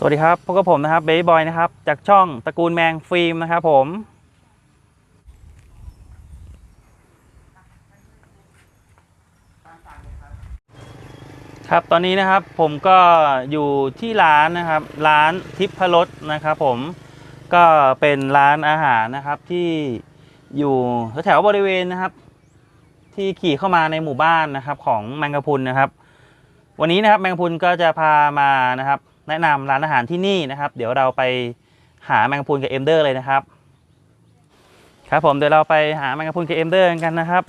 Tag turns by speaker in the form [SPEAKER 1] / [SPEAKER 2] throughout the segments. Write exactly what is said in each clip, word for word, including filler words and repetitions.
[SPEAKER 1] สวัสดีครับพบกับผมนะครับเบย์บอยนะครับจากช่องตระกูลแมงฟิล์มนะครับผมครับตอนนี้นะครับผมก็อยู่ที่ร้านนะครับร้านทิพรสนะครับผมก็เป็นร้านอาหารนะครับที่อยู่แถวบริเวณนะครับที่ขี่เข้ามาในหมู่บ้านนะครับของแมงกะพรุนนะครับวันนี้นะครับแมงกะพรุนก็จะพามานะครับแนะนำร้านอาหารที่นี่นะครับเดี๋ยวเราไปหาแมงกะพรุนกับเอ็มเดอร์เลยนะครับครับผมเดี๋ยวเราไปหาแมงกะพรุนกับเอ็มเดอร์กันนะครับ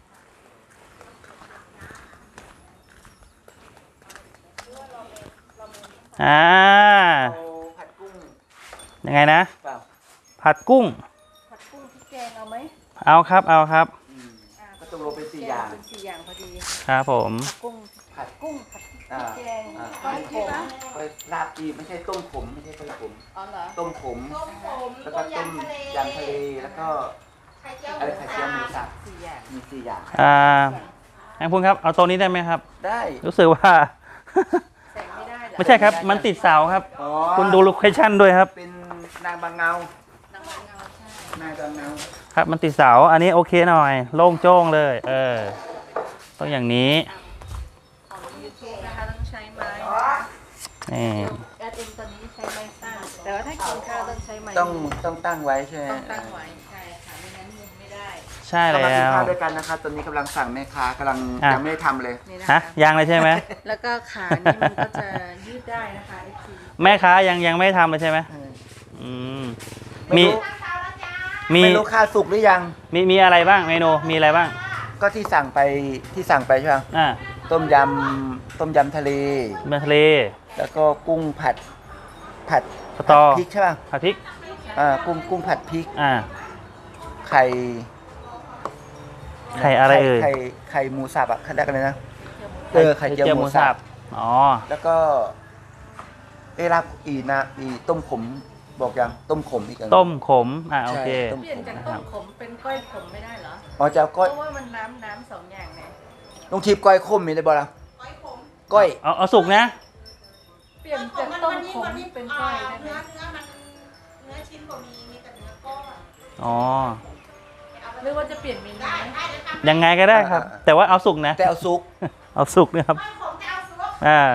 [SPEAKER 1] อ่า
[SPEAKER 2] ผัดกุ้ง
[SPEAKER 1] ยังไงนะ
[SPEAKER 2] เปล่า
[SPEAKER 1] ผัดกุ้ง
[SPEAKER 3] ผัดกุ้งพริกแกงเอาไหม
[SPEAKER 1] เอาครับเอาครับ
[SPEAKER 2] ก็ต้องลงเป็นสี่อย่าง
[SPEAKER 3] เป็นสี่อย่างพอดี
[SPEAKER 1] ครับผม
[SPEAKER 3] ผัดกุ้งผัดกุ้งผัดพริกแกงต้มขม
[SPEAKER 2] ลาบดีไม่ใช่ต้มขมไม่ใช่ต้มขม
[SPEAKER 3] อ๋อเหรอ
[SPEAKER 2] ต้มขมแล้วก็ต้มยำทะเลแล้วก็อะไรไข่เจียวหมูสับ
[SPEAKER 3] สี่อย่าง
[SPEAKER 2] มีสี่อย่าง
[SPEAKER 1] อ่าแมงกะพรุนครับเอาตัวนี้ได้ไหมครับ
[SPEAKER 2] ได้
[SPEAKER 1] รู้สึกว่าไม่ใช่ครับมันติดเสาครับคุณดูโลเคชั่นด้วยครับ
[SPEAKER 2] เป็นนางบางเงานางบางเงาใช่นางบางเงา
[SPEAKER 1] ครับมันติดเสาอันนี้โอเคหน่อยโล่งโจ้งเลยเออต้องอย่างนี้
[SPEAKER 3] ของยูทูบนะคะต้องใช้ไม้
[SPEAKER 1] นี่
[SPEAKER 3] แอดเอ็มตอนนี้ใช้ไม้สั้นแต่ว่าถ้ากินข้าวต้องใช้ไม้
[SPEAKER 2] ต้องต้องตั้งไว้ใช่ไหม
[SPEAKER 3] ต้องตั้งไว้ใช่ค่ะไม่งั้นมุนไม่ได้
[SPEAKER 1] ใช่แล้ว
[SPEAKER 2] มากินข้าวด้วยกันนะครับตอนนี้กำลังสั่งแม่ค้ากำลังยังไม่ได้ทำเลย
[SPEAKER 1] ฮะยังเลยใช่ไหม
[SPEAKER 3] แล้วก็ขานี่มันก็จะยืดได้นะคะไอที
[SPEAKER 1] แม่ค้ายังยังไม่ทำเลยใช่ไหมอืมมี
[SPEAKER 2] มีไม่รู้ข้าวสุกหรือยัง
[SPEAKER 1] มีมีอะไรบ้างเมนูมีอะไรบ้าง
[SPEAKER 2] ก็ที่สั่งไปที่สั่งไปใช่ไหม
[SPEAKER 1] อ่า
[SPEAKER 2] ต้มยำต้มยำทะเล
[SPEAKER 1] เมทะเล
[SPEAKER 2] แล้วก็กุ้งผัดผัด
[SPEAKER 1] สตอ
[SPEAKER 2] พริกใช่ป่ะ
[SPEAKER 1] ผัดพริก
[SPEAKER 2] อ่ากุ้งกุ้งผัดพริก
[SPEAKER 1] อ่า
[SPEAKER 2] ไข่
[SPEAKER 1] ไข่อะไรเอ่ย
[SPEAKER 2] ไข่ไข่หมูสับอ่ะเขาเรียกอะไรนะเออไข่เจียวหมูสับ
[SPEAKER 1] อ๋อ
[SPEAKER 2] แล้วก็เอรับอีนะอีต้มขมบอกยังต้มขมอีกอัน
[SPEAKER 1] ต้มขมอ่าโอเค
[SPEAKER 3] เปลี่ยนจากต้มขมเป็นก้อยขมไม่ได้เหรอ
[SPEAKER 2] อ๋อจะก้อย
[SPEAKER 3] เพราะว่ามันน้ำน้ำสองอย่างไง
[SPEAKER 2] ลุงทิพย์ก้อยขมมีได้บ่ล่ะก้อยขมก้อย
[SPEAKER 1] เอาเอาสุกนะ
[SPEAKER 3] เปลี่ยนจากต้มขมเป็นก้อยได้ไหม
[SPEAKER 4] เนื้อเนื้อมันเนื้อชิ้นกว่ามีมีแต่เนื้อก้อน
[SPEAKER 1] อ๋อ
[SPEAKER 3] หรือว่าจะเปลี่ยนเมนู
[SPEAKER 1] ยังไงก็ได้ครับแต่ว่าเอาสุกนะ
[SPEAKER 2] แต่เอาสุก
[SPEAKER 1] เอาสุกนะครับอ่า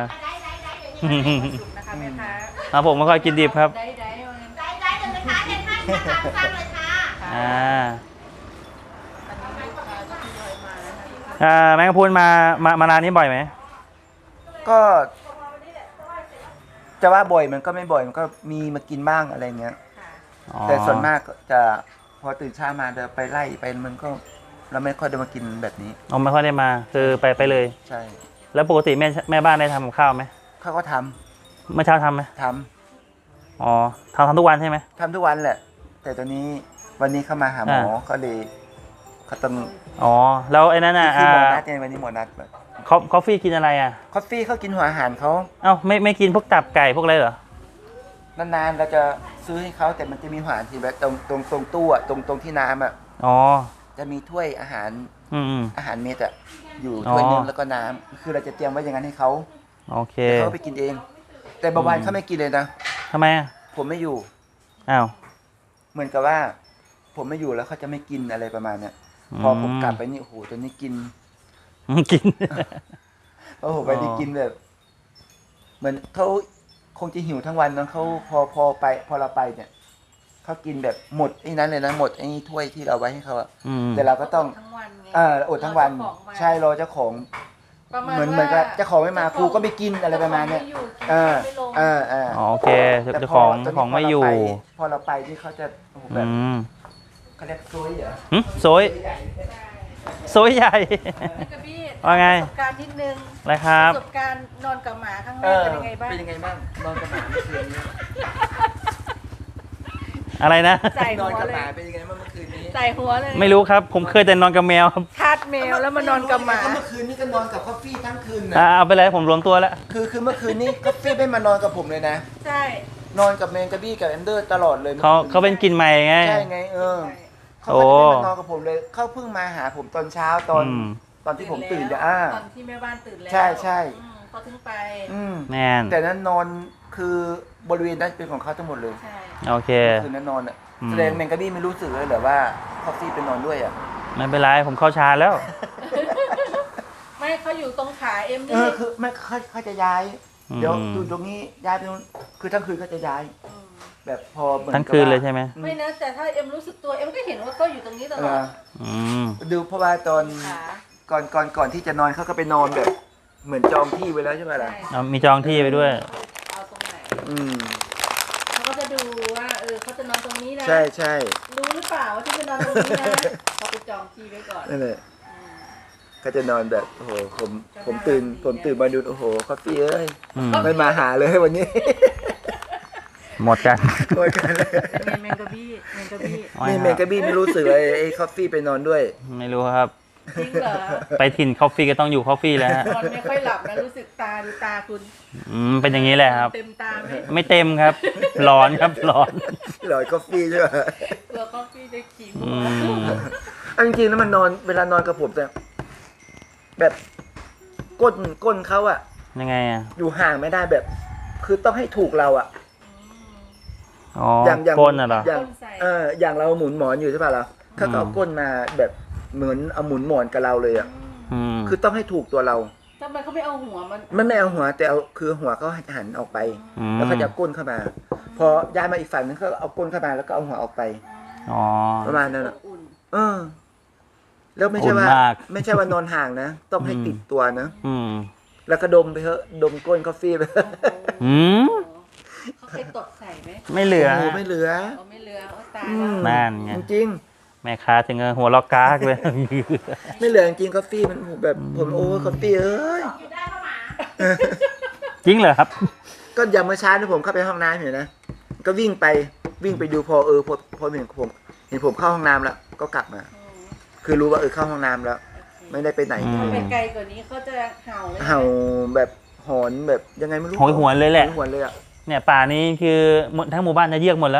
[SPEAKER 1] ครับผมไม่ค่อยกินดิบครับ
[SPEAKER 4] ได้ได้ได้เลยค่ะเด็ดให้ค่ะสร้างเลยค่ะ
[SPEAKER 1] อ่าอ่าแมงกะพรุนมามามาร้านนี้บ่อยไหม
[SPEAKER 2] ก็จะว่าบ่อยมันก็ไม่บ่อยมันก็มีมากินบ้างอะไรเงี้ยแต่ส่วนมากจะพอตื่นเช้ามาเดินไปไล่ไปมันก็เราไม่ค่อยได้มากินแบบนี้
[SPEAKER 1] อ๋อไม่ค่อยได้มาคือไปไปเลย
[SPEAKER 2] ใช่
[SPEAKER 1] แล้วปกติแม่แม่บ้านได้ทำกับข้าวไหม
[SPEAKER 2] เขาก็ท
[SPEAKER 1] ำเมื่อเช้าทำไหม
[SPEAKER 2] ท
[SPEAKER 1] ำอ๋อทำทำทุกวันใช่ไหม
[SPEAKER 2] ทำทุกวันแหละแต่ตอนนี้วันนี้เข้ามาหาหมอก็เลยเขาต้อง
[SPEAKER 1] อ๋อแล้วไอ้นั่นอ่ะ
[SPEAKER 2] ที่หมอนัดไงวันนี้หมอนัดแบบ
[SPEAKER 1] คอฟฟี่กินอะไรอ่ะ
[SPEAKER 2] คอฟฟี่เขากินหัวอาหารเขา
[SPEAKER 1] เอ้าไม่ไม่กินพวกตับไก่พวกอะไรเหร
[SPEAKER 2] อนานๆเราจะซื้อให้เขาแต่มันจะมีหัวอาหารที่แบบตรงตรงตรงตู้อ่ะตรงตรงที่น้ำอ่ะ
[SPEAKER 1] อ๋อ
[SPEAKER 2] จะมีถ้วยอาหาร
[SPEAKER 1] อืม
[SPEAKER 2] อาหารเม็ดอ่ะอยู่ถ้วยนึงแล้วก็น้ำคือเราจะเตรียมไว้อย่างนั้นให้เขา
[SPEAKER 1] โอเค
[SPEAKER 2] เขาไปกินเองแต่บางวันเขาไม่กินเลยนะ
[SPEAKER 1] ทำไมอ่ะ
[SPEAKER 2] ผมไม่อยู่
[SPEAKER 1] อ้าว
[SPEAKER 2] เหมือนกับว่าผมไม่อยู่แล้วเขาจะไม่กินอะไรประมาณเนี้ยพอผมกลับไปนี่โอ้โหตัวนี้กิน
[SPEAKER 1] กิน
[SPEAKER 2] โอ้โหไปนี่กินแบบเหมือนเขาคงจะหิวทั้งวันนะเขาพอพอไปพอเราไปเนี่ยเขากินแบบหมดไอ้นั้นเลยนะหมดไอ้ถ้วยที่เราไว้ให้เขาอะแต่เราก็ต้องเอออดทั้งวันใช่รอเจ้าของเหมือนเหมือนกับเจ้าของไม่มาครูก็ไม่กินอะไรประมาณเนี้ยเออเออเออ
[SPEAKER 1] โอเคเจ้าของเจ้าของไม่อยู่
[SPEAKER 2] พอเราไปที่เขาจะแบบเขาเรียกโซยเหรอ
[SPEAKER 1] โซยโซยใหญ่ว่าไง
[SPEAKER 3] ประสบการณ์นิดนึง
[SPEAKER 1] อะไรครับ
[SPEAKER 3] ประสบการณ์นอนกับหมาข้างแรกเป็นยังไงบ้าง
[SPEAKER 2] เป็นยังไงบ้างนอนกับหมาเมื่อคืนนี้
[SPEAKER 1] อะไรนะ
[SPEAKER 2] นอนกับหมาเป็นยังไงบ้างเมื่อคืนนี้
[SPEAKER 3] ใส่หัวเลย
[SPEAKER 1] ไม่รู้ครับผมเคยแต่นอนกับแมวครับ
[SPEAKER 3] ทาสแมวแล้วมานอนกับหมา
[SPEAKER 2] เมื่อคืนนี้ก็นอนกับคอฟฟี่ทั้งคืนนะ
[SPEAKER 1] เอาไปเลยผมรวมตัวแล้ว
[SPEAKER 2] คือคือเมื่อคืนนี้คอฟฟี่ไม่มานอนกับผมเลยนะ
[SPEAKER 3] ใช่
[SPEAKER 2] นอนกับแมงกะบี้กับแอนเดอร์ตลอดเลย
[SPEAKER 1] เขาเขาเป็นกินใหม่ไง
[SPEAKER 2] ใช่ไงเออเขาไม่ได้มานอนกับผมเลยเขาเพิ่งมาหาผมตอนเช้าตอนตอนที่ผมตื่นจะอ้า
[SPEAKER 3] ตอนที่แม่บ้านตื่นแล้ว
[SPEAKER 2] ใช่ใช่
[SPEAKER 3] เขาถึงไป
[SPEAKER 1] แม่น
[SPEAKER 2] แต่นั้นนอนคือบริเวณนั้นเป็นของเขาทั้งหมดเลย
[SPEAKER 3] ใช่
[SPEAKER 1] โอเค
[SPEAKER 2] คืนนั้นนอนอ่ะ
[SPEAKER 1] อืม
[SPEAKER 2] แสดงแมงกะบี้ไม่รู้สึกเลยเหรอว่าคอฟฟี่ไปนอนด้วยอ่ะ
[SPEAKER 1] ไม่เป็นไรผมเข้าชาร์จแล้ว
[SPEAKER 3] ไม่เขาอยู่ตรงขาเอ็ม
[SPEAKER 2] เอ
[SPEAKER 3] นี่
[SPEAKER 2] อคือไม่เขาเขาจะย้าย
[SPEAKER 1] อืม
[SPEAKER 2] เดี๋ยวอยู่ตรงนี้ย้ายไปนู้นคือทั้งคืนเขาจะย้าย
[SPEAKER 3] ม
[SPEAKER 2] แบบพอเหมือน
[SPEAKER 1] ทั้ง
[SPEAKER 2] กับ
[SPEAKER 1] คืน
[SPEAKER 2] ว่า
[SPEAKER 1] เลยใช่ไหม
[SPEAKER 2] อื
[SPEAKER 3] ไม่นะแต่ถ้าเอ็มรู้สึกตัวเอ็มก็เห็นว่าเขาอยู่ตรงนี้ต
[SPEAKER 2] เอ
[SPEAKER 3] ลอ
[SPEAKER 2] อ
[SPEAKER 3] ด
[SPEAKER 1] อืม
[SPEAKER 2] ดูเพราะว่าตอน
[SPEAKER 3] ขา
[SPEAKER 2] ก่อนก่อนก่อนที่จะนอนเขาก็ไปนอนแบบ เหมือนจองที่ไว้แล้วใช่ไหมล่ะ
[SPEAKER 3] ใช่
[SPEAKER 1] เอามีจองที่ไปด้วย
[SPEAKER 3] เอาตรงไหน
[SPEAKER 2] อืม
[SPEAKER 3] เขาก็จะดูว่าเออเขาจะนอนตรงนี้นะ
[SPEAKER 2] ใช่ใช่
[SPEAKER 3] รู้หรือเปล่าว่าที่จะนอนตรงนี้นะเขาไปจองที่ไว้ก่อน
[SPEAKER 2] นั่นแหละ
[SPEAKER 3] อืม
[SPEAKER 2] ก็จะนอนแบบโอ้โหผมผมตื่นผมตื่นมาดูโอ้โหคอฟฟี่เอ้ย
[SPEAKER 1] อืม
[SPEAKER 2] ไม่มาหาเลยวันนี้
[SPEAKER 1] หมดกัน
[SPEAKER 2] โวยกันเลย
[SPEAKER 3] เป็นไงแมงกะบี้แมงกะบี้
[SPEAKER 2] นี่เมงกะบี้ไม่รู้สึกเลยไอ้คอฟฟี่ไปนอนด้วย
[SPEAKER 1] ไม่รู้ครับ
[SPEAKER 3] จริงเหรอ
[SPEAKER 1] ไปถิ่นคอฟฟี่ก็ต้องอยู่คอฟฟี่แล้วฮะ
[SPEAKER 3] นอนไม่ค่อยหลับนะรู้สึกตาดูตาคุณ
[SPEAKER 1] อืมเป็นอย่างนี้แหละครับ
[SPEAKER 3] เต็มตาไหม
[SPEAKER 1] ไม่เต็มครับ ร้อนครับร้อน
[SPEAKER 2] หลอยคอฟฟี่ใช่ไหม
[SPEAKER 3] กลัวคอฟฟี่จะขี่หั
[SPEAKER 1] อื
[SPEAKER 3] ว
[SPEAKER 1] ม
[SPEAKER 2] อันจริงๆแล้วมันนอนเวลานอนกับผมแต่แบบก้นก้นเขาอะ
[SPEAKER 1] ยังไงอ่ะ
[SPEAKER 2] อยู่ห่างไม่ได้แบบ คือต้องให้ถูกเราอะ
[SPEAKER 1] อ๋อ
[SPEAKER 2] อย่างอย่าง
[SPEAKER 1] ก้นอ่ะเหรอ
[SPEAKER 2] อย่างเอออย่างเราหมุนหมอนอยู่ใช่ป่ะล่ะเขาก็เอา
[SPEAKER 1] อืม
[SPEAKER 2] ก้นมาแบบเหมือนเอาหมุนหมอนกับเราเลยอะ
[SPEAKER 1] อืม
[SPEAKER 2] คือต้องให้ถูกตัวเรา
[SPEAKER 3] ทำไมเขาไม่เอาหัวมัน
[SPEAKER 2] ไม่ไม่เอาหัวแต่เอาคือหัวเขาหันออกไป
[SPEAKER 1] อืม
[SPEAKER 2] แล้วเขาจะเอาก้นเข้ามา พอย้ายมาอีกฝั่งนึงเขาเอาก้นเข้ามาแล้วก็เอาหัวออกไป
[SPEAKER 1] อ๋อ
[SPEAKER 2] ประมาณนั้น
[SPEAKER 3] อ
[SPEAKER 2] อะ
[SPEAKER 3] บอุ่น
[SPEAKER 2] เออ แล้วไม่ใช่ว่า
[SPEAKER 1] อุ่นมาก
[SPEAKER 2] ไม่ใช่ว่านอนห่างนะต้องให้
[SPEAKER 1] อืม
[SPEAKER 2] ติดตัวนะ
[SPEAKER 1] อืม
[SPEAKER 2] แล้วก็ดมไปเถอะดมก้นกาแฟไปเถอะ
[SPEAKER 1] อืม
[SPEAKER 3] เขาเคยตดใส่ไหม
[SPEAKER 1] ไม่เหลือ
[SPEAKER 2] โอ้โหไม่เหลือ
[SPEAKER 3] เขาไม่เหลือเอาตาย
[SPEAKER 2] อื
[SPEAKER 3] แล้ว
[SPEAKER 2] ม
[SPEAKER 1] นั่นไง
[SPEAKER 2] จริง
[SPEAKER 1] แม่ค้าถึงกับหัวล็อกกากเลย
[SPEAKER 2] ๆไม่เหลือจริงๆกาแฟมันแบบผมโอ้กาแฟเอ้ย
[SPEAKER 4] อยู่ได้เข้ามา
[SPEAKER 1] จริงเหรอครับ
[SPEAKER 2] ก็อย่างเมื่อเช้านี่ผมเข้าไปห้องน้ำเห็นนะก็วิ่งไปวิ่งไปดูพอเออพอพอเห็นผมเห็นผมเข้าห้องน้ำแล้วก็กลับมา
[SPEAKER 3] อืม
[SPEAKER 2] คือรู้ว่าเออเข้าห้องน้ำแล้ว ไม่ได้ไปไหน
[SPEAKER 1] อืม
[SPEAKER 3] ถ้าไปไกลกว่านี้เขาจะเห่าเลยนะ
[SPEAKER 2] เห่าแบบหอนแบบยังไงไม่รู้
[SPEAKER 1] โหยหวนเลยแหละ
[SPEAKER 2] โหยหวนเลยอ่ะ
[SPEAKER 1] เนี่ยป่านี้คือหมดทั้งหมู่บ้านจะเยือกหมดแล้ว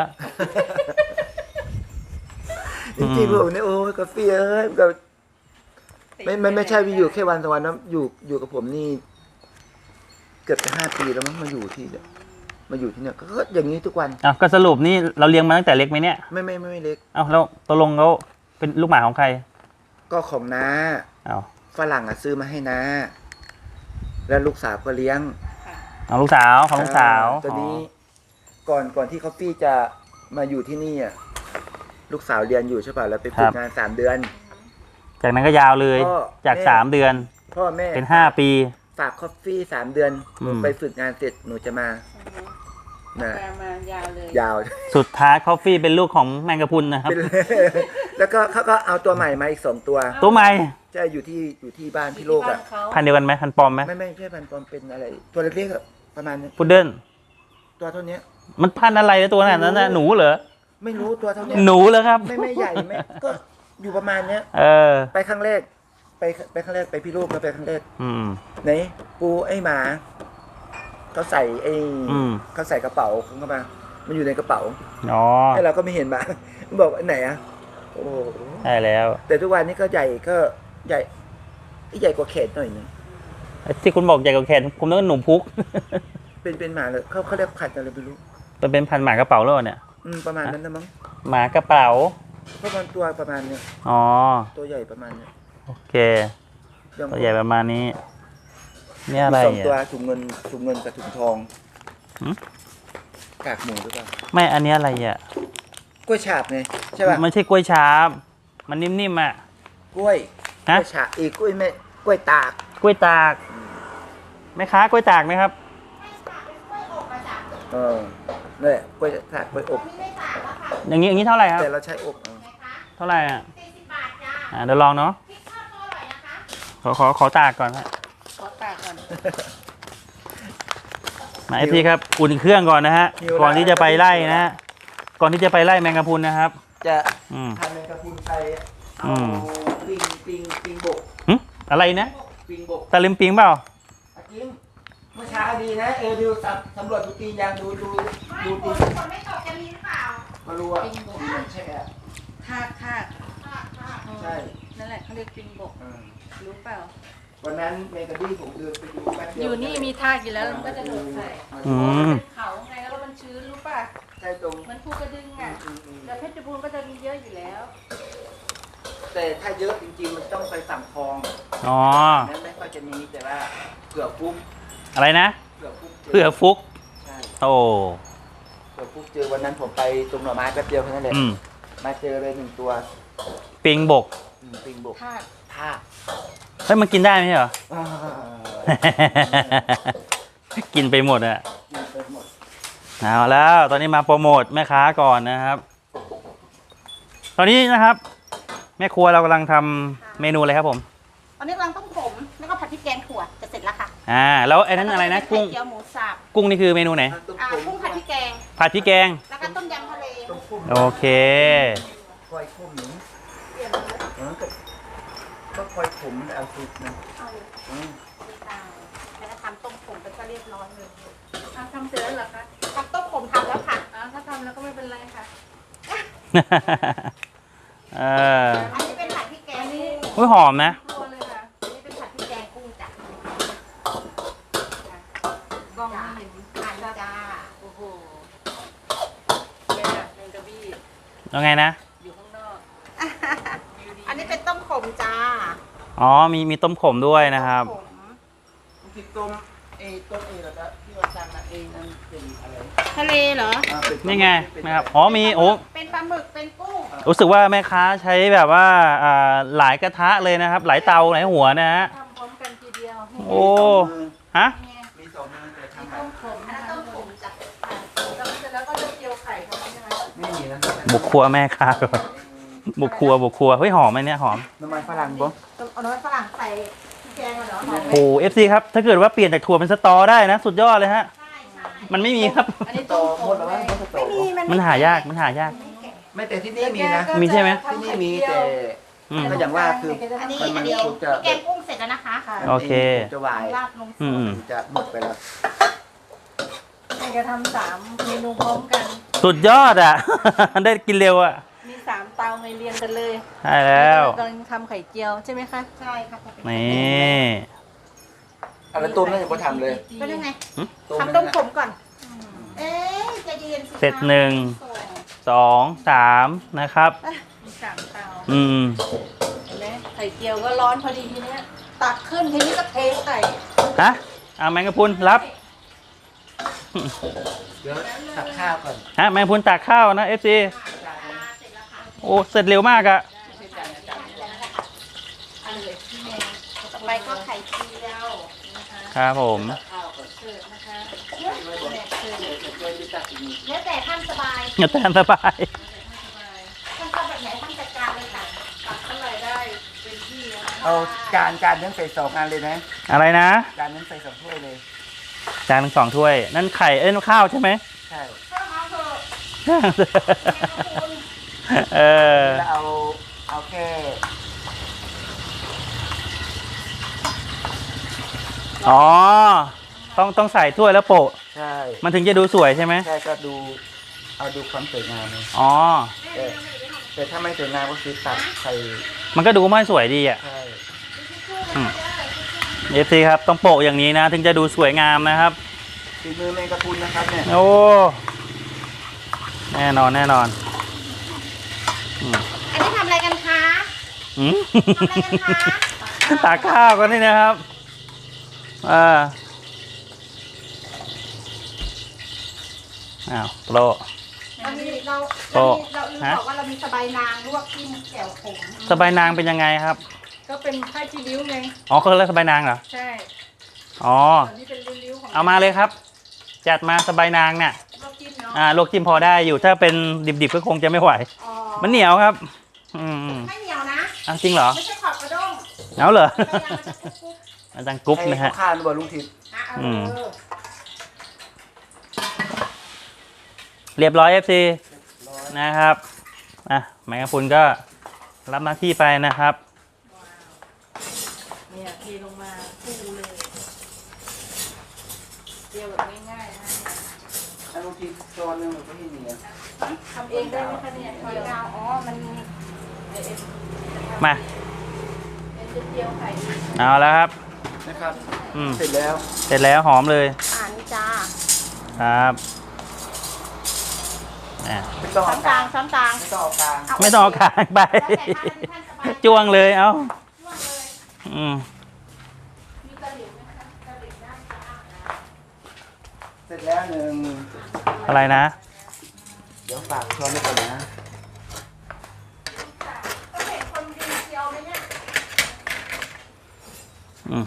[SPEAKER 2] จริงๆผมเนี่ยโอ้ยกาแฟเอ้ยแบบไม่ไม่ไม่ใช่วิอยู่แค่วันสองวันนะอยู่อยู่กับผมนี่เกือบจะห้าปีแล้วมั้งมาอยู่ที่เนี่ยมาอยู่ที่เนี่ยก็อย่างนี้ทุกวัน
[SPEAKER 1] อ้าวก็สรุปนี่เราเลี้ยงมาตั้งแต่เล็กไหมเนี่ย
[SPEAKER 2] ไม่ไม่ไม่ไม่เล็ก
[SPEAKER 1] อ้าวแล้วตกลงเขาเป็นลูกหมาของใคร
[SPEAKER 2] ก็ของน้า
[SPEAKER 1] อ้าว
[SPEAKER 2] ฝรั่งอ่ะซื้อมาให้น้าแล้วลูกสาวก็เลี้ยง
[SPEAKER 3] ค่ะ
[SPEAKER 1] เอาลูกสาวของลูกสาว
[SPEAKER 2] อ่ตอนนี้ก่อนก่อนที่คอฟฟี่จะมาอยู่ที่นี่อ่ะลูกสาวเรียนอยู่ใช่ป่ะแล้วไปฝึกงานสามเดือน
[SPEAKER 1] จากนั้นก็ยาวเลย
[SPEAKER 2] ก็
[SPEAKER 1] จาก
[SPEAKER 2] แม่
[SPEAKER 1] สามเดือน
[SPEAKER 2] พ่อแม่
[SPEAKER 1] เป็นห้าปี
[SPEAKER 2] ฝากคอฟฟี่สามเดือนหนู
[SPEAKER 1] อืม
[SPEAKER 2] ไปฝึกงานเสร็จหนูจะมา
[SPEAKER 3] อือฮึ
[SPEAKER 2] นะ
[SPEAKER 3] แปลมายาวเลย
[SPEAKER 2] ยาว
[SPEAKER 1] สุดท้ายคอฟฟี่เป็นลูกของแมงกะพรุนนะครับ
[SPEAKER 2] เป็น แล้วก็เขาก็เอาตัวใหม่มาอีกสองตัว
[SPEAKER 1] ตัวใหม่
[SPEAKER 2] ใช่อยู่ที่อยู่ที่บ้าน
[SPEAKER 3] อยู่
[SPEAKER 2] พี่
[SPEAKER 3] ที่
[SPEAKER 2] โลก
[SPEAKER 3] บ้า
[SPEAKER 2] อ่ะ
[SPEAKER 3] นเขา
[SPEAKER 1] พันธุ์เดียวกันไหมพันธุ์ปลอมไหม
[SPEAKER 2] ไม่ไม่ใช่พันธุ์ปลอมเป็นอะไร ตัวเล็กๆอะประมาณนี้
[SPEAKER 1] พุดเดิ้ล
[SPEAKER 2] ตัวเท่านี้
[SPEAKER 1] มันพันธุ์อะไรนะตัวนั้นน่ะหนูเหรอ
[SPEAKER 2] ไม่รู้ตัวเท่านี้
[SPEAKER 1] หนูเหรอครับ
[SPEAKER 2] ไม่ไม่ใหญ่ไม่ก็อยู่ประมาณเนี้ย
[SPEAKER 1] เออ
[SPEAKER 2] ไปครั้งแรก ไปไปครั้งแรกไปพี่โลกแล้วไปครั้งแรก
[SPEAKER 1] อืม
[SPEAKER 2] ไหนปูไอ้หมาเขาใส่ไอ้
[SPEAKER 1] อืม
[SPEAKER 2] เขาใส่กระเป๋าของเขามามันอยู่ในกระเป๋า
[SPEAKER 1] อ๋อ
[SPEAKER 2] ให้เราก็ไม่เห็นหมา มันบอกว่าไหนอ่ะโอ้โห
[SPEAKER 1] ใช่แล้ว
[SPEAKER 2] แต่ทุกวันนี้ก็ใหญ่ก็ใหญ่ใหญ่กว่าแขนหน่อยนึง
[SPEAKER 1] ที่คุณบอกใหญ่กว่าแขนผมนึกว่าหนูพุก
[SPEAKER 2] เป็นเป็นหมาเลยเขาเขาเรียกพันธุ์อะไรไม่รู้
[SPEAKER 1] มันเป็นพันธุ์หมากระเป๋าแล้วเนี่ย
[SPEAKER 2] อืมประมาณนั้นนะมั้ง
[SPEAKER 1] หมากระเป๋า
[SPEAKER 2] เพราะมันตัวประมาณเนี้ย
[SPEAKER 1] อ๋อ
[SPEAKER 2] ตัวใหญ่ประมาณเนี้ย
[SPEAKER 1] โอเค
[SPEAKER 2] ย่าง
[SPEAKER 1] ตัวใหญ่ประมาณนี้นี่อะไร
[SPEAKER 2] มีสองตัว
[SPEAKER 1] อ่ะ
[SPEAKER 2] ถุงเงินถุงเงินกับถุงทอง
[SPEAKER 1] หืม
[SPEAKER 2] กากหมูหรือเปล่า
[SPEAKER 1] ไม่อันนี้อะไรอ่ะ
[SPEAKER 2] กล้วยฉาบไงใช่ป่ะ
[SPEAKER 1] มันใช่กล้วยฉาบมันนิ่มๆอ่ะ
[SPEAKER 2] กล้วยก
[SPEAKER 1] ฮะ
[SPEAKER 2] ล้วยฉาบอีกกล้วยแม่กล้วยตาก
[SPEAKER 1] กล้วยตากแม่ค้ากล้วยตากไหมครับ
[SPEAKER 2] เออนั่นแหละกล้วยตากกล้วยอบ
[SPEAKER 1] อย่างนี้อย่างนี้เท่าไหร่ครับ
[SPEAKER 2] แต่เราใช้อบเอา
[SPEAKER 1] เท่าไหร่อ่ะ
[SPEAKER 4] สี่สิบบาทจ้า
[SPEAKER 1] อ่าเดี๋ยวลองเนาะ
[SPEAKER 4] พริกทอดก็อร่อยนะคะ
[SPEAKER 1] ขอขอขอตากก่อนฮะ
[SPEAKER 3] ขอตากก่อน
[SPEAKER 1] มาไอพี่ครับอุ่นเครื่องก่อนนะฮะก่อนที่จะไปไล่นะฮะก่อนที่จะไปไล่แมงกะพรุนนะครับ
[SPEAKER 2] จะ
[SPEAKER 1] อืม
[SPEAKER 2] ทำเป็นกระพุนไทย
[SPEAKER 1] อื
[SPEAKER 2] เอา
[SPEAKER 1] ม
[SPEAKER 2] ปิงปิงปิงบก
[SPEAKER 1] หึอะไรนะ
[SPEAKER 2] ปิงบก
[SPEAKER 1] ตะลิมปิงเปล่า
[SPEAKER 2] อ่ะจริงเมื่อเช้าดีนะเออดูสำสำรวจดูตีนยางดูดู
[SPEAKER 4] ไม่
[SPEAKER 2] ดู
[SPEAKER 4] ฝ
[SPEAKER 2] ตี
[SPEAKER 4] น
[SPEAKER 2] น
[SPEAKER 4] ฝนไม่ตกจะมีหรือเปล่า
[SPEAKER 2] มารู้ว่าตีนมันใช่ไหม
[SPEAKER 3] คาดคาด
[SPEAKER 4] ค่ะค่ะ
[SPEAKER 3] อืม
[SPEAKER 2] ใช่
[SPEAKER 3] นั่นแหละเขาเรียกปิงบก
[SPEAKER 2] เออ
[SPEAKER 3] รู้เปล่า
[SPEAKER 2] วันนั้นเมกะดี้ผมเดินไปดูแป๊บเดี
[SPEAKER 3] อ
[SPEAKER 2] ยว
[SPEAKER 3] ยู่นี่มีทากอยู่แล้วมันก็จะโดดใส่
[SPEAKER 1] อืม
[SPEAKER 3] เป็นเขาไงแล้วมันชื้นรู้ป่ะ
[SPEAKER 2] ใช่ตรง
[SPEAKER 3] เหมือนภูกระดึงอ่ะแต่เพชรบูรณ์ก็จะมีเยอะอยู่แล้ว
[SPEAKER 2] แต่ถ้าเยอะจริงๆมันต้องไปสั่งคลอง
[SPEAKER 1] อ๋อ
[SPEAKER 2] นั้นไม่ค่อยจะมีแต่ว่าเผื่อฟุก
[SPEAKER 1] อะไรนะ
[SPEAKER 2] เผื่อฟุก
[SPEAKER 1] เผื่อฟุก
[SPEAKER 2] ใช่
[SPEAKER 1] โอ้
[SPEAKER 2] เผื่อฟุกเจอวันนั้นผมไปตรงหน่อไม้แป๊บเดียวแค่นั้นแหละ
[SPEAKER 1] อืม
[SPEAKER 2] มาเจอเลยหนึ่งตัว
[SPEAKER 1] ปิงบก
[SPEAKER 2] อืมปิงบก
[SPEAKER 3] ทาก
[SPEAKER 2] ท่า
[SPEAKER 1] เฮ้ยมันกินได้ไหมเหรอ
[SPEAKER 2] อ่า
[SPEAKER 1] กินไปหมดอะ
[SPEAKER 2] กินไปหมด
[SPEAKER 1] เอาแล้ว ตอนนี้มาโปรโมทแม่ค้าก่อนนะครับ ตอนนี้นะครับ แม่ครัวเรากำลังทำเมนูอะไรครับผม
[SPEAKER 4] ตอนนี้กำลังต้มผมแล้วก็ผัดพริกแกงถั่วจะเสร็จแล้วค่ะ
[SPEAKER 1] อ่า แล้วไอ้นั้นอะไรนะกุ้ง
[SPEAKER 4] ไข่เจียวหมูสับ
[SPEAKER 1] กุ้งนี่คือเมนูไหน
[SPEAKER 2] ต้ม
[SPEAKER 4] อ่า
[SPEAKER 2] ผม
[SPEAKER 4] กุ้งผัดพริกแกง
[SPEAKER 1] ผัดพริกแกง
[SPEAKER 4] แล้วก็ต้มยำทะเล
[SPEAKER 2] ต้มพุ่ม
[SPEAKER 1] โอเค
[SPEAKER 2] คอยคุ้มหนึ่งเออก็ก็คอยผมเอาซุปนะ
[SPEAKER 4] เอา
[SPEAKER 2] อืม
[SPEAKER 4] ตายแล้วก็ทำต้มผมไปก็เรียบร้อยเลย
[SPEAKER 3] อ่ะทำเสร็จแล้วเหรอคะ
[SPEAKER 4] ทำต้มผมทำแล้วค่ะ
[SPEAKER 3] อ่ะถ้าทำแล้วก็ไม่เป็นไรค่ะ
[SPEAKER 1] เออ
[SPEAKER 4] อันนี้เป็นผัดพริกแกงกุ้ง
[SPEAKER 1] อุ้ยหอมนะ
[SPEAKER 3] ครัวเลยค่ะ
[SPEAKER 4] อันนี้เป็นผัดพริกแกงกุ้งจ้ะ
[SPEAKER 3] กล้องไม่เห็น
[SPEAKER 4] อ่านจ้า
[SPEAKER 3] โอ้โหเนี่ยแมงกะบี้
[SPEAKER 1] แล้วไงนะ
[SPEAKER 3] อยู่ข้างนอก
[SPEAKER 4] อันนี้เป็นต้มขมจ้า
[SPEAKER 1] อ๋อ มีมีต้มขมด้วยนะครับ
[SPEAKER 4] ต้มขม
[SPEAKER 2] บางทีต้มเอต้มเอแล้วก็ที่ว่าสั่งมาเองนั่นเป็นอะไร
[SPEAKER 4] ทะเลเหรอ
[SPEAKER 2] อ่าเป็ปลา
[SPEAKER 1] นี่ไง
[SPEAKER 2] เป็
[SPEAKER 1] นะครับ อ๋อ มี โอ้
[SPEAKER 4] เป็นปลาหมึกเป็นกุ้ง
[SPEAKER 1] รู้สึกว่าแม่ค้าใช้แบบว่าอ่าหลายกระทะเลยนะครับ หลายเตาหลายหัวนะฮะ
[SPEAKER 3] ทำพร้อมกันทีเดียว
[SPEAKER 1] โอ้ ฮะ
[SPEAKER 2] มีสองมือแต่ทำแบ
[SPEAKER 3] ต้
[SPEAKER 2] บ
[SPEAKER 3] มขม
[SPEAKER 4] อัน
[SPEAKER 3] นะ
[SPEAKER 4] นั้น
[SPEAKER 3] คะ
[SPEAKER 4] ต้มขมจ้ะ
[SPEAKER 3] แล้วเสร็จแล้วก็จะเจียวไข่ทำใช่ไหม
[SPEAKER 2] ไม่มีนะ
[SPEAKER 1] บุกครัวแม่ค้าก่อนบุกครัวบุกครัว เฮ้ย หอมไหมเนี่ยหอม
[SPEAKER 2] น้ำมันฝรั่งบ่
[SPEAKER 4] เอาน้ำมันฝรั่งใส่พริกแกงเหรอหอมไหม
[SPEAKER 1] โอ้เอฟซีครับ ถ้าเกิดว่าเปลี่ยนจากถั่วเป็นสตอได้นะ สุดยอดเลยฮะ
[SPEAKER 4] ใช่ใช่
[SPEAKER 1] มันไม่มีครับ
[SPEAKER 3] อันนี้
[SPEAKER 2] ต่
[SPEAKER 3] ต้
[SPEAKER 2] อ
[SPEAKER 3] มข
[SPEAKER 2] หม
[SPEAKER 3] ม
[SPEAKER 2] ดแล้ว
[SPEAKER 3] ไง
[SPEAKER 2] มั้งก็ต่อ
[SPEAKER 4] ไม่มีมัน
[SPEAKER 1] มันหายาก มันหายาก
[SPEAKER 2] ไม่แต่ที่นี่มีนะ
[SPEAKER 1] มีใช่ไหม
[SPEAKER 2] ที่นี่มีแต่
[SPEAKER 1] อืม
[SPEAKER 2] ก็อย่างว่าคือ
[SPEAKER 4] อันนี้
[SPEAKER 2] มัน
[SPEAKER 4] อั
[SPEAKER 2] มัน น
[SPEAKER 4] นี้
[SPEAKER 2] คงจะ
[SPEAKER 4] พริกแกงกุ้งเสร็จแล้วนะคะ
[SPEAKER 1] โอเค
[SPEAKER 2] มันจะวาย
[SPEAKER 4] ราดลง
[SPEAKER 1] อืม
[SPEAKER 2] จะหมดไปแล้ว
[SPEAKER 3] มันจะทำสามเมนูพร้อมกัน
[SPEAKER 1] สุดยอดอ่ะ ได้กินเร็วอ่ะ
[SPEAKER 3] มีสามเตาไงเรียงกันเลย
[SPEAKER 1] ใช่แล้ว
[SPEAKER 3] กำลังทำไข่เจียวใช่ไหมคะ
[SPEAKER 4] ใช่ค่ะ
[SPEAKER 1] นี่
[SPEAKER 2] เอาแล้วต้มนั่นยังไม่ทำเลย
[SPEAKER 4] ก็ได้ไง
[SPEAKER 2] ต้ม
[SPEAKER 4] ทำต้มขมก่อน เอ๊ะใจะเย็นสิคะ
[SPEAKER 1] เสร็จหนึ่ง สอง สามนะครับ
[SPEAKER 3] มีสามเตา
[SPEAKER 1] อืม
[SPEAKER 3] เห็นไหมไข่เจียวก็ร้อนพอดีทีเนี้ยตักขึ้นทีนี้ก็เทใส่
[SPEAKER 1] ฮะเอาแมงกะพรุนรับ
[SPEAKER 2] เดี๋ยวตักข้าวก่อน
[SPEAKER 1] ฮะแมงกะพรุนตักข้าวนะเอฟซีโอ้ เสร็จเร็วมากอะ
[SPEAKER 3] อันเหลยที่แมง
[SPEAKER 4] ต่อไปก็ไข่เจียว
[SPEAKER 3] นะคะ
[SPEAKER 1] ครับผม
[SPEAKER 2] ข้าวก่อน
[SPEAKER 3] เสิร์ฟนะคะ
[SPEAKER 2] ไม่บอกเดี๋ยวเดี๋ยวจะตักอีกนิด
[SPEAKER 4] แล้วแต่ท่านสบาย
[SPEAKER 1] อย่าแตนสบาย
[SPEAKER 3] สบาย
[SPEAKER 4] ท่านชอบแบบไหนท่านจัดการเลยค่ะ
[SPEAKER 3] ตักเท่าไหร่ได้เป็นที่นะคะ
[SPEAKER 2] เอาจานจานนั้นใส่สองอันเลยนะ
[SPEAKER 1] อะไรนะ
[SPEAKER 2] จานนั้นใส่สองถ้วยเลย
[SPEAKER 1] จานหนึ่งสองถ้วย นั่นไข่ เอ้ยนั่นข้าวใช่ไหม
[SPEAKER 2] ใช่
[SPEAKER 4] ถ้าเอาเถอะ
[SPEAKER 1] เออ
[SPEAKER 2] แล้วเอาเอาแค่
[SPEAKER 1] อ๋อ ต้องต้องใส่ถ้วยแล้วโปะ
[SPEAKER 2] ใช่
[SPEAKER 1] มันถึงจะดูสวยใช่ไหม
[SPEAKER 2] ใช่ก็ดูเอาดูความสวยงามเลย
[SPEAKER 1] อ๋อ
[SPEAKER 2] แต่แต่ถ้าไม่สวยงามก็คือตัดใส่
[SPEAKER 1] มันก็ดูไม่สวยดีอ่ะ
[SPEAKER 2] ใช่
[SPEAKER 1] เอฟซีครับ ต้องโปะอย่างนี้นะ ถึงจะดูสวยงามนะครับ
[SPEAKER 2] ฝีมือแมงกะพรุนนะครับเนี่ย
[SPEAKER 1] โอ้ แน่นอนแน่นอนอืม
[SPEAKER 4] อันนี้ทำอะไรกันคะ
[SPEAKER 1] อืม
[SPEAKER 4] ทำอะไรกันคะ
[SPEAKER 1] ตากข้าวกันนี่นะครับอ่าอ้าวโปร
[SPEAKER 4] เรามีเรา
[SPEAKER 1] โอ้
[SPEAKER 4] เรามีเราลืม
[SPEAKER 1] ฮะ
[SPEAKER 4] บอกว่าเรามีสบายนางลวกจิ้มแจ่วขม
[SPEAKER 1] สบายนางเป็นยังไงครับ
[SPEAKER 3] ก็เป็นผ้าจีริ้วไง
[SPEAKER 1] อ๋อเขาเรียกสบายนางเหรอ
[SPEAKER 3] ใช่
[SPEAKER 1] อ๋อ
[SPEAKER 3] ส่วนนี้เป็นริ้วๆของ
[SPEAKER 1] เอามาเลยครับ จัดมาสบายนางเนี่ย
[SPEAKER 3] ลวกจิ้มเนาะ
[SPEAKER 1] อ่าลวกจิ้มพอได้อยู่ ถ้าเป็นดิบๆก็คงจะไม่ไหว
[SPEAKER 4] อ๋อ
[SPEAKER 1] มันเหนียวครับ อืม
[SPEAKER 4] ไม่เหนียวนะ
[SPEAKER 1] อ่ะจริงเหรอ
[SPEAKER 4] ไม่ใช่ขอบกระด้ง
[SPEAKER 1] เอาเหรอ
[SPEAKER 4] สบายนางมันจะกุ๊กกุ๊ก
[SPEAKER 1] อาจารย์กรุ๊ปนะฮะ
[SPEAKER 2] ให้ข้าวๆบ่ลุงทิพย์
[SPEAKER 4] อ่ะเอ
[SPEAKER 1] อืม
[SPEAKER 4] อ
[SPEAKER 1] เรียบร้อย เอฟ ซี นะครับ อ่ะแมงกะพรุนก็รับหน้าที่ไปนะครับ
[SPEAKER 3] เนี่ยเทลงมาฟูเลยเจียวแบบง่ายๆนะคะ
[SPEAKER 2] ถ้าลุงทิพย์ช้อนหนึงมันก็ให้เหนียว
[SPEAKER 3] ทำเองได้ไหมคะเนี่ย
[SPEAKER 4] หอย
[SPEAKER 3] เจียว
[SPEAKER 4] ดาวอ๋อ มัน
[SPEAKER 3] เอ็น
[SPEAKER 1] มา
[SPEAKER 3] เอ็นจะเจียวไข่ดี
[SPEAKER 1] เอาแล้วครับ
[SPEAKER 3] เ
[SPEAKER 2] นะครับ
[SPEAKER 1] อืม
[SPEAKER 2] เสร็จแล้ว
[SPEAKER 1] เสร็จแล้วหอมเลย
[SPEAKER 3] อ่านี่จ้า
[SPEAKER 1] ครับอ่ะ
[SPEAKER 2] ไม่ต้อง
[SPEAKER 3] ช้อ
[SPEAKER 2] เอา
[SPEAKER 3] น
[SPEAKER 2] ก
[SPEAKER 3] ก
[SPEAKER 2] ลา
[SPEAKER 3] ลาง งช้อนกลาง
[SPEAKER 2] ไม่ต้องเอากลาง
[SPEAKER 1] ไม่ต้องเอากลางไป
[SPEAKER 3] แล้วแต่ท่านท่านสบายใจ
[SPEAKER 1] จ้วงเลยเอ้า
[SPEAKER 3] จ้วงเลย
[SPEAKER 1] อืม
[SPEAKER 3] มีตะหลิวไหมคะตะหลิวได้จ้า
[SPEAKER 2] เสร็จแล้วหนึ่ง
[SPEAKER 1] อะไรนะ
[SPEAKER 2] เดี๋ยวฝากช้อนไว้ก่อนนะ
[SPEAKER 3] ก็เห็นคนดีเชียวไหมเนี่ย
[SPEAKER 1] อืม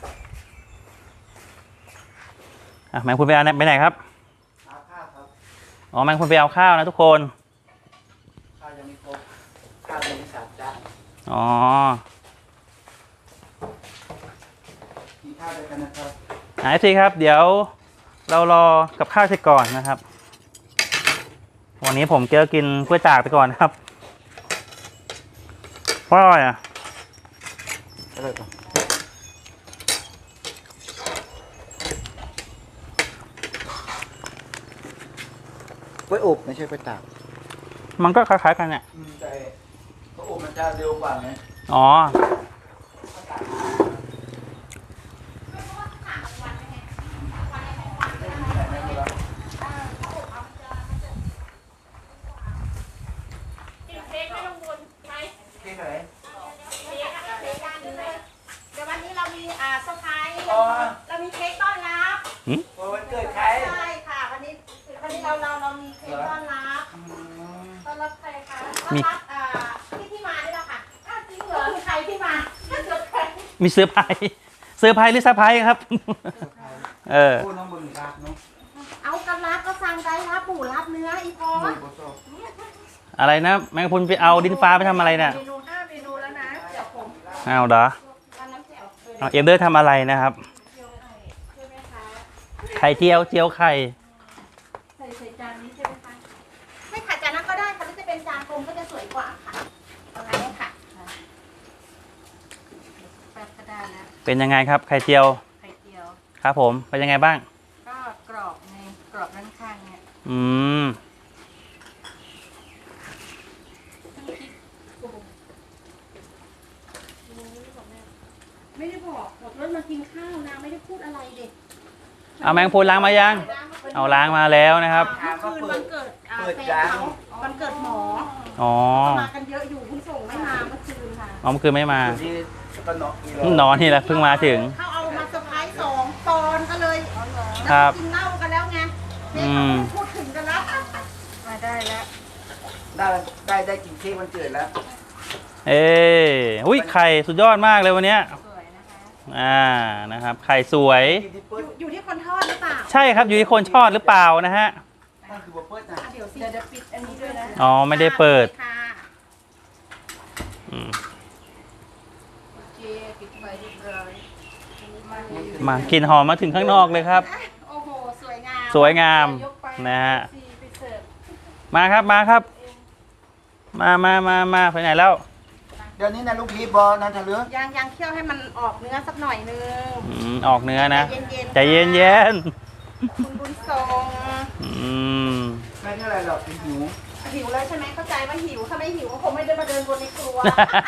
[SPEAKER 1] อ่ะแมงคุณไปเอาไปไหนครับ
[SPEAKER 2] เอาข้าวครับ
[SPEAKER 1] อ๋อแมงคุณไปเอาข้าวนะทุกคน
[SPEAKER 2] ข้าวยังไม่ครบข้าวยังไม่สามจาน
[SPEAKER 1] อ๋อ
[SPEAKER 2] กินข้าวด้วยกันนะครับ
[SPEAKER 1] ไอซีครับ เดี๋ยวเรารอกับข้าวเสร็จก่อนนะครับ วันนี้ผมเจอกินกล้วยตากไปก่อนนะครับเพราะอะไรอ่ะ
[SPEAKER 2] อะไรก่อนกล้วยอบไม่ใช่กล้วยตาก
[SPEAKER 1] มันก็คล้ายๆกันเนี่ย
[SPEAKER 2] อืมแต่กล้วยอบมันจะเร็วกว่าไง
[SPEAKER 1] อ๋อ
[SPEAKER 3] กินเค้กไม่ต้องวนไหม
[SPEAKER 2] เค้กไหน
[SPEAKER 3] เค้กอะเค้กกันเลยเดี๋ยววันนี้เรามีอ่าเซอร์ไพรส์
[SPEAKER 2] อ๋อ
[SPEAKER 3] เรามีเค้กต้อนรับ
[SPEAKER 2] วันเกิดใคร
[SPEAKER 3] ใช่ค่ะ วันนี้วันนี้เราเราเรามีเค้กต้อนรับ
[SPEAKER 2] อืม
[SPEAKER 3] ต้อนรับใครคะต้อนรับอ่าที่ที่มาด้วยนะคะอ้าวจริงเหรอมีใครที่มาเกิดใคร
[SPEAKER 1] มีเซอร์ไพรส์เซอร์ไพรส์หรือเซอร์ไพรส์ครับ เออ
[SPEAKER 2] พูดน้องบนรักเนาะ
[SPEAKER 3] เอากันรับก็สั่งได้รับหมูรับเนื้ออีพอ
[SPEAKER 2] หมูโบโซ
[SPEAKER 1] อะไรนะ แมงคุณไปเอาดินฟ้าไปทำอะไรเนี่ย
[SPEAKER 3] เมนูห้าเมนูแล้วนะเดี๋ยวผม
[SPEAKER 1] เอาเหรอ
[SPEAKER 3] วันน้ำแจ่วเออ
[SPEAKER 1] เอาเอ็มเดอร์ทำอะไรนะครับ
[SPEAKER 3] เจียวไข่ใช่ไหมคะ
[SPEAKER 1] ไข่เจียวเจียวไข่
[SPEAKER 3] ใส่ใส่จานนี้ใช่ไหมคะไม่ค่ะจานนั้นก็ได้ค่ะหรือจะเป็นจานกลมก็จะสวยกว่าค่ะเอางั้นเลยค่ะแป๊บก็ได้แล้ว
[SPEAKER 1] เป็นยังไงครับไข่เจียว
[SPEAKER 3] ไข่เจียว
[SPEAKER 1] ครับผม เป็นยังไงบ้าง
[SPEAKER 3] ก็กรอบในกรอบด้านข้างเนี่ย
[SPEAKER 1] อืม
[SPEAKER 3] ไม่ได้บอกบอกรถมากินข้าวนะไม่ได้พูดอะไรเด็ก
[SPEAKER 1] เอาแมงพูนล้างมายัง เอาล้างมาแล้วนะครับ
[SPEAKER 3] เมื่อคืนวันเกิดอ่าแฟนเขาวันเกิดหมอ
[SPEAKER 1] อ๋อ
[SPEAKER 3] มากันเยอะอยู่คุณส่งไม่มาเมื่อคืนค่ะ
[SPEAKER 1] อ๋อเมื่อคืนไม่มา
[SPEAKER 2] อยู่ที่ก็เนาะอีโล
[SPEAKER 1] นอนนี่แหละเพิ่งมาถึง
[SPEAKER 3] เขาเอามาเซอร์ไพรส์สองตอนก็เลย
[SPEAKER 1] ครับ
[SPEAKER 3] กินเหล้ากันแล้วไงเด็ก
[SPEAKER 1] อื
[SPEAKER 3] เขา
[SPEAKER 1] ม
[SPEAKER 3] ไม่พูดถึงกันแล้วมาได้แล้ว
[SPEAKER 2] ได้ได้ได้กินเค้กวันเกิดแล้ว
[SPEAKER 1] เอ้ยอุ้ยไข่สุดยอดมากเลยวันเนี้ย
[SPEAKER 3] สวยนะคะ
[SPEAKER 1] อ่า นะครับ ไข่สวย
[SPEAKER 2] กินที่
[SPEAKER 3] อ
[SPEAKER 2] เปิ้ล
[SPEAKER 3] ยู่อยู่ที่คนทอดหรือเปล่า
[SPEAKER 1] ใช่ครับ อยู่ที่คนชอดหรือเปล่านะฮะ
[SPEAKER 2] นั่นคือบัวเปิ้ลนะ
[SPEAKER 3] อ่ะเดี๋ยวสิเดี๋ยวจะปิดอันนี้ด้วยนะ
[SPEAKER 1] อ๋อ ไม่ได้เปิด
[SPEAKER 3] ค่ะ
[SPEAKER 1] อืม
[SPEAKER 3] โอเคปิดไฟเรียบร้อยมาเลย
[SPEAKER 1] มากลิ่นหอมมาถึงข้างนอกเลยครับ
[SPEAKER 3] โอ้โหสวยงาม
[SPEAKER 1] สวยงาม
[SPEAKER 3] ยกไป
[SPEAKER 1] นะฮะ
[SPEAKER 3] สี่ไปเสิร์ฟ
[SPEAKER 1] มาครับ มาครับ มามามามาไปไหนแล้ว
[SPEAKER 2] เดี๋ยวนี้นะลูกพีบอลนันทะเลือก
[SPEAKER 3] ยางยางเคี่ยวให้มันออกเนื้อสักหน่อยนึง
[SPEAKER 1] อืม ออกเนื้อนะ
[SPEAKER 3] ใจ
[SPEAKER 1] ใจ
[SPEAKER 3] เย็
[SPEAKER 1] เย็
[SPEAKER 3] น
[SPEAKER 1] น
[SPEAKER 3] ๆ
[SPEAKER 1] เย็น
[SPEAKER 3] คุณบุญทรง
[SPEAKER 1] ๆอืม
[SPEAKER 2] ไม่เท่าไหรหรอกเป็นหิว
[SPEAKER 3] หิวแล้วใช่ไหมเข้าใจว่าหิวถ้าไม่หิวก็คงไม่ได้มาเดินบนในครัว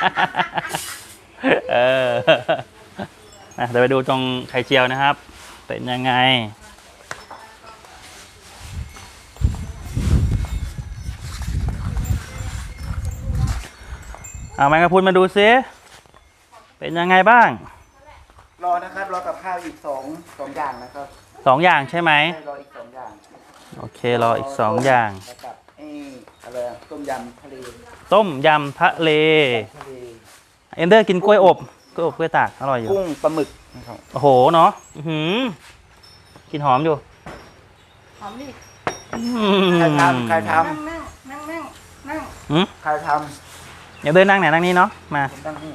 [SPEAKER 1] เอออ่ะเดี๋ยวไปดูตรงไข่เจียวนะครับ เป็นยังไง เอาแมงกะพรุนมาดูซิ เป็นยังไงบ้าง
[SPEAKER 2] รอนะครับรอกับข้าวอีกสองสองอย่างนะครับ
[SPEAKER 1] สองอย่างใช่ไหม
[SPEAKER 2] ให้รออีกสองอย่าง
[SPEAKER 1] โอเค รออีกสองอย่าง
[SPEAKER 2] แล้วกับไอ้อะไรอะต้มยำทะเล
[SPEAKER 1] ต้มยำทะเล
[SPEAKER 2] ทะเล
[SPEAKER 1] เอนเดอร์กินกล้วยอบกล้วยอบกล้วยตากอร่อยอยู่
[SPEAKER 2] กุ้งปลาหมึกนะครับ
[SPEAKER 1] โอ้โห เนาะอื้อหือกินหอมอยู่
[SPEAKER 3] หอมดิ
[SPEAKER 1] อืม
[SPEAKER 2] ใครทำใครท
[SPEAKER 3] นั่งนั่งนั่งนั่งนั่ง
[SPEAKER 1] อืม
[SPEAKER 2] ำใครท
[SPEAKER 1] เดี๋ยวเดินนั่งไหนนั่งนี้เนาะ มา
[SPEAKER 2] ำผมตั้งนี่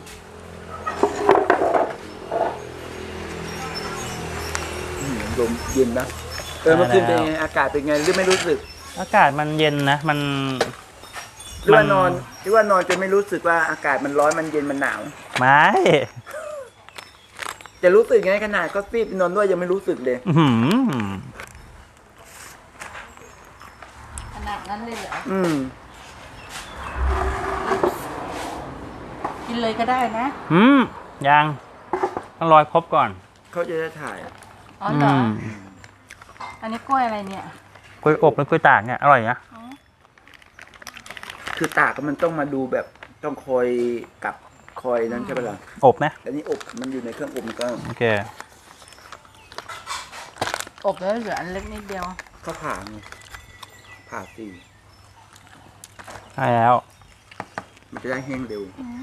[SPEAKER 2] อืมลมเย็นนะเออเมื่อคืนเป็นไงอากาศเป็นไงหรือไม่รู้สึก
[SPEAKER 1] อากาศมันเย็นนะ มัน
[SPEAKER 2] หรือว่านอนหรือว่านอนจนไม่รู้สึกว่าอากาศมันร้อนมันเย็นมันหนาว
[SPEAKER 1] ไม่
[SPEAKER 2] จะรู้สึกไงขนาดก็ฟีบนอนด้วยยังไม่รู้สึกเลย
[SPEAKER 1] อื้อหือ
[SPEAKER 3] ขนาดนั้นเลยเหรอ
[SPEAKER 2] อืม
[SPEAKER 3] กินเลยก็ได้นะ
[SPEAKER 1] อืมยังต้องรอยครบก่อน
[SPEAKER 2] อเขาจะได้ถ่าย
[SPEAKER 3] อ๋อเหรอ
[SPEAKER 1] ม
[SPEAKER 3] อันนี้กล้วยอะไรเนี่ย
[SPEAKER 1] กล้วยอบหรือกล้วยตากเนี่ยอร่อยนะ
[SPEAKER 2] คือตากก็มันต้องมาดูแบบต้องคอยกับคอยนั้นใช่ไหมล่ะ
[SPEAKER 1] อบไหม
[SPEAKER 2] แต่นี่อบมันอยู่ในเครื่องอบมันก็
[SPEAKER 1] โอเค
[SPEAKER 3] อบแล้วเหลืออันเล็กนิดเดียว
[SPEAKER 2] ก็ผ่าไงผ่าสี
[SPEAKER 1] ใช่แล้ว
[SPEAKER 2] มันจะได้แห้งเร็ว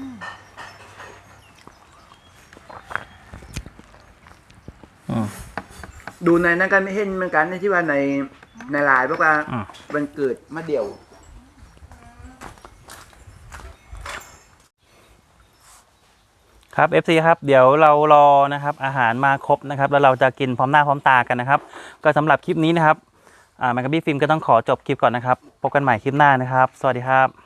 [SPEAKER 1] อืม
[SPEAKER 2] ดูในนั้นกันไม่เห็นเหมือนกันในที่ว่าในในไลน์บอกว่า
[SPEAKER 1] อืม
[SPEAKER 2] วันเกิดมะเดี่ยว
[SPEAKER 1] ครับ เอฟ ซี ครับเดี๋ยวเรารอนะครับอาหารมาครบนะครับแล้วเราจะกินพร้อมหน้าพร้อมตากันนะครับก็สำหรับคลิปนี้นะครับอ่าแมกกาบี้ฟิล์มก็ต้องขอจบคลิปก่อนนะครับพบกันใหม่คลิปหน้านะครับ สวัสดีครับ